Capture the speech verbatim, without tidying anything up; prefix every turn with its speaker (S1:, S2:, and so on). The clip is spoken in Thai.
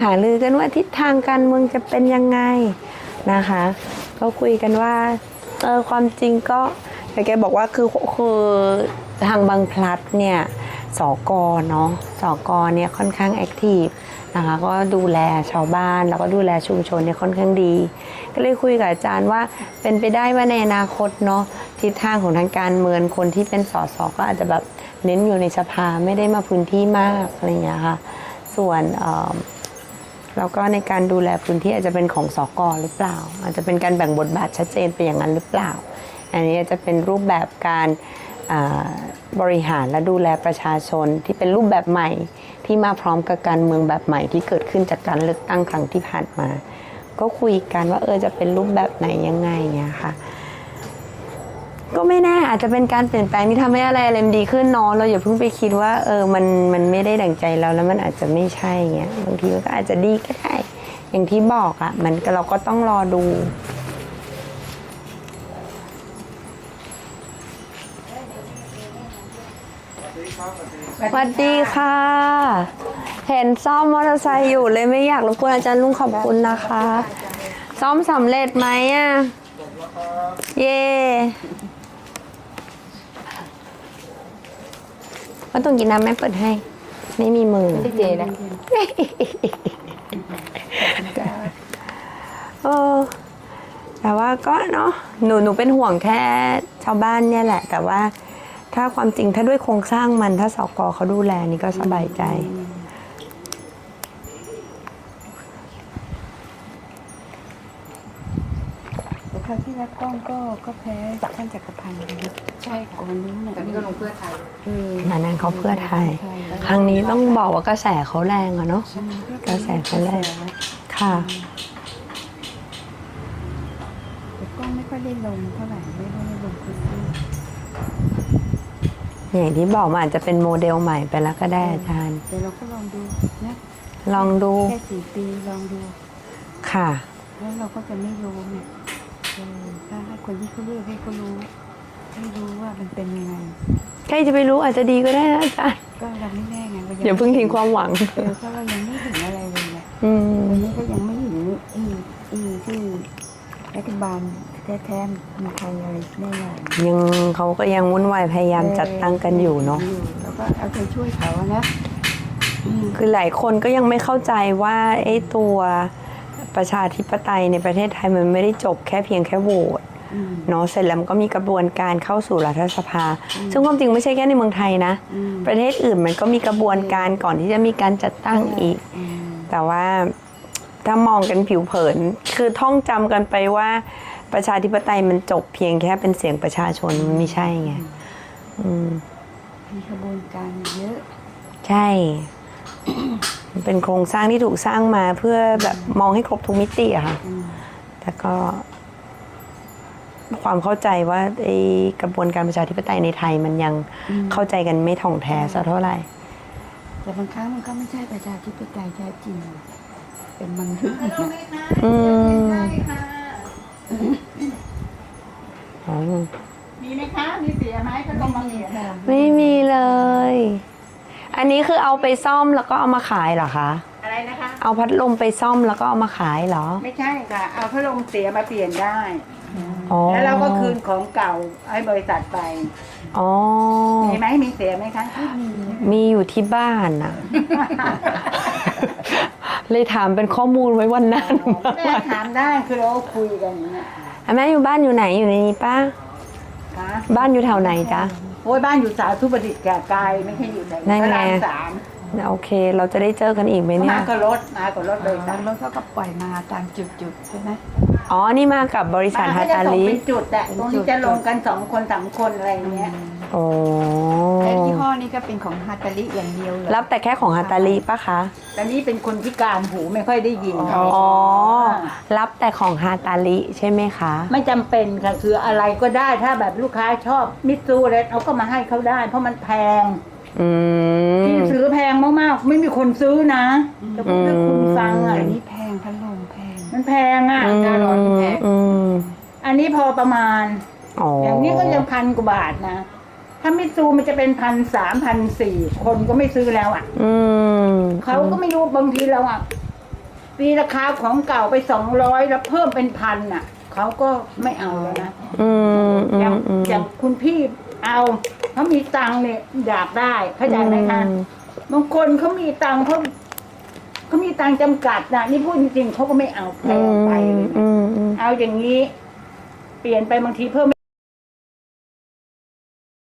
S1: หารือกันว่าทิศทางการเมืองจะเป็นยังไงนะคะก็คุยกันว่าเออความจริงก็แต่แกบอกว่าคือคือทางบางพลัดเนี่ยสกเนาะสกเนี่ยค่อนข้างแอคทีฟนะคะก็ดูแลชาวบ้านแล้วก็ดูแลชุมชนเนี่ยค่อนข้างดีก็เลยคุยกับอาจารย์ว่าเป็นไปได้ว่าในอนาคตเนาะทิศทางของทางการเมืองคนที่เป็นสสก็อาจจะแบบเน้นอยู่ในสภาไม่ได้มาพื้นที่มากอะไรอย่างเงี้ยค่ะส่วนแล้วก็ในการดูแลพื้นที่อาจจะเป็นของสกหรือเปล่าอาจจะเป็นการแบ่งบทบาทชัดเจนไปอย่างนั้นหรือเปล่าอันนี้จะเป็นรูปแบบการบริหารและดูแลประชาชนที่เป็นรูปแบบใหม่ที่มาพร้อมกับการเมืองแบบใหม่ที่เกิดขึ้นจากการเลือกตั้งครั้งที่ผ่านมาก็คุยกันว่าเออจะเป็นรูปแบบไหนยังไงเงี้ยค่ะก็ไม่แน่อาจจะเป็นการเปลี่ยนแปลงที่ทำให้อะไรอะไรดีขึ้นเนาะเราอย่าเพิ่งไปคิดว่าเออมันมันไม่ได้ดั่งใจเราแล้วมันอาจจะไม่ใช่เงี้ยบางทีมันก็อาจจะดีก็ได้อย่างที่บอกอ่ะมันเราก็ต้องรอดูสวัสดีค่ะเห็นซ่อมมอเตอร์ไซค์อยู่เลยไม่อยากรบกวนอาจารย์ลุงขอบคุณนะคะซ่อมสำเร็จไหมอ่ะเย่ว่าต้องกินน้ำแม่เปิดให้ไม่มีมือไม่เจนะเออแต่ว่าก็เนาะหนูหนูเป็นห่วงแค่ชาวบ้านเนี่ยแหละแต่ว่าถ้าความจริงถ้าด้วยโครงสร้างมันถ้าสกเขาดูแลนี่ก็สบายใจ
S2: แต่คราวที่แล้วกล้องก็ก็แพ้ท่านจักรพันธ์นะใช่ก่อนนู้นแต่นี่ก็ลงเพื่อไทย
S1: นั่นนั่นเขาเพื่อไทยครั้งนี้ต้องบอกว่ากระแสเขาแรงอะเนาะกระแสเขาแรงค่ะ
S2: แต่กล้องไม่ค่อยได้ลงเท่าไหร่ไม่ได้ลงพื้นที่
S1: อย่างที่บอกมันอาจจะเป็นโมเดลใหม่ไปแล้วก็ได้อาจารย์
S2: แต่เราก็ลองดูนะ
S1: ลองดู
S2: แค่สี่ปีลองดู
S1: ค่ะ
S2: แล้วเราก็จะไม่รู้ไงถ้าให้คนที่เขาเลือกให้เขารู้ให้รู้ว่ามันเป็นยังไง
S1: ใครจะไปรู้อาจจะดีก็ได้นะอาจารย์
S2: ก็เราไม่แน่ไง
S1: อย่าเพิ่งทิ้งความหวัง
S2: เออเพราะเรายังไม่เห็นอะไรเลยเนี่ย
S1: วัน
S2: นี้ก็ยังไม่เห็นอีอีที่รัฐบาลแท้ๆมีใครอะไรแน่นอน
S1: ยังเขาก็ยังวุ่นวายพยายามจัดตั้งกันอยู่เนาะ
S2: แล้วก็เอาใจช่วยเขานะ
S1: คือหลายคนก็ยังไม่เข้าใจว่าไอ้ตัวประชาธิปไตยในประเทศไทยมันไม่ได้จบแค่เพียงแค่โหวตเนาะเสร็จแล้วมันก็มีกระบวนการเข้าสู่รัฐสภาซึ่งความจริงไม่ใช่แค่ในเมืองไทยนะประเทศอื่นมันก็มีกระบวนการก่อนที่จะมีการจัดตั้งอีกแต่ว่าถ้ามองกันผิวเผินคือท่องจำกันไปว่าประชาธิปไตยมันจบเพียงแค่เป็นเสียงประชาชนมันไม่ใช่ไง
S2: มีกระบวนการเยอะ
S1: ใช่เป็นโครงสร้างที่ถูกสร้างมาเพื่อแบบมองให้ครบทุกมิติอะค่ะแต่ก็ความเข้าใจว่าไอ้กระบวนการประชาธิปไตยในไทยมันยังเข้าใจกันไม่ถ่องแท้สักเท่าไหร่
S2: แต่บางครั้งมันก็ไม่ใช่ประชาธิปไตยแท้จริงเป็นบางเรื่อง
S1: อืม
S2: มีไหมคะมีเสียไหมก็ต้องมาเสีย
S1: ไม่มีเลยอันนี้คือเอาไปซ่อมแล้วก็เอามาขายเหรอคะ
S2: อะไรนะคะ
S1: เอาพัดลมไปซ่อมแล้วก็เอามาขายเหรอ
S2: ไม่ใช่ค่ะเอาพัดลมเสียมาเปลี่ยนได้แล้วเราก็คืนของเก่าให้บริษัทไป
S1: อ๋อ
S2: มีไหมมีเสียไหมคะ
S1: มีอยู่ที่บ้านน่ะเลยถามเป็นข้อมูลไว้วันนั้น
S2: แม่ถามได้คือเราคุยกันอย่างนี้
S1: แม่อยู่บ้านอยู่ไหนอยู่ในนี้ป้าบ้านอยู่แถวไหนจ๊ะ
S2: โอ้ยบ้านอยู่สาธุประดิษฐ์แก่กายไม่ใช่อยู่ไหนพระรามสาม
S1: โอเคเราจะได้เจอกันอีกไหมเนี่ย
S2: มากับรถมากับรถเลยตามรถเขาก็ปล่อยมาตามจุดๆใช่ไหม
S1: อ๋อนี่มากับบริษัทฮาตาลิ
S2: เป็นจุดแต่ตรงนี้จะลงกันสองคนสามคนอะไรเงี้ย
S1: โอ้
S2: แต่ยี่ห้อนี้ก็เป็นของฮาตาลิอย่างเดียวเลย
S1: รับแต่แค่ของฮาตาลิปะคะ
S2: แต่นี้เป็นคนพิการหูไม่ค่อยได้ยิน
S1: อ๋อรับแต่ของฮาตาลิใช่ไหมคะ
S2: ไม่จำเป็นค่ะคืออะไรก็ได้ถ้าแบบลูกค้าชอบมิตซูอะไรเขาก็มาให้เขาได้เพราะมันแพงที่ซื้อแพงมากๆไม่มีคนซื้อนะจะพูดให้คุณฟังอ่ะอันนี้แพงพัดลมแพงมันแพงอ่ะน่าร้อนแพงอันนี้พอประมาณอย่างนี้ก็ยังพันกว่าบาทนะถ้ามิตซูมันจะเป็นพันสามพันสี่คนก็ไม่ซื้อแล้วอ่ะเขาก็ไม่รู้บางทีเราอ่ะตีราคาของเก่าไปสองร้อยแล้วเพิ่มเป็นพันอ่ะเขาก็ไม่เอาแล้วนะ
S1: อืมอื
S2: อย่าง
S1: มอืม
S2: อย่างคุณพี่เอาเขามีตังค์เนี่ยอยากได้เข้าใจไหมคะ
S1: อืม
S2: บางคนเขามีตังค์เขาเขามีตังค์จำกัดนะนี่พูดจริงๆเขาก็ไม่เอาแพงไปเลยนะ
S1: อืมอืม
S2: เอาอย่างนี้ เปลี่ยนไปบางทีเพิ่ม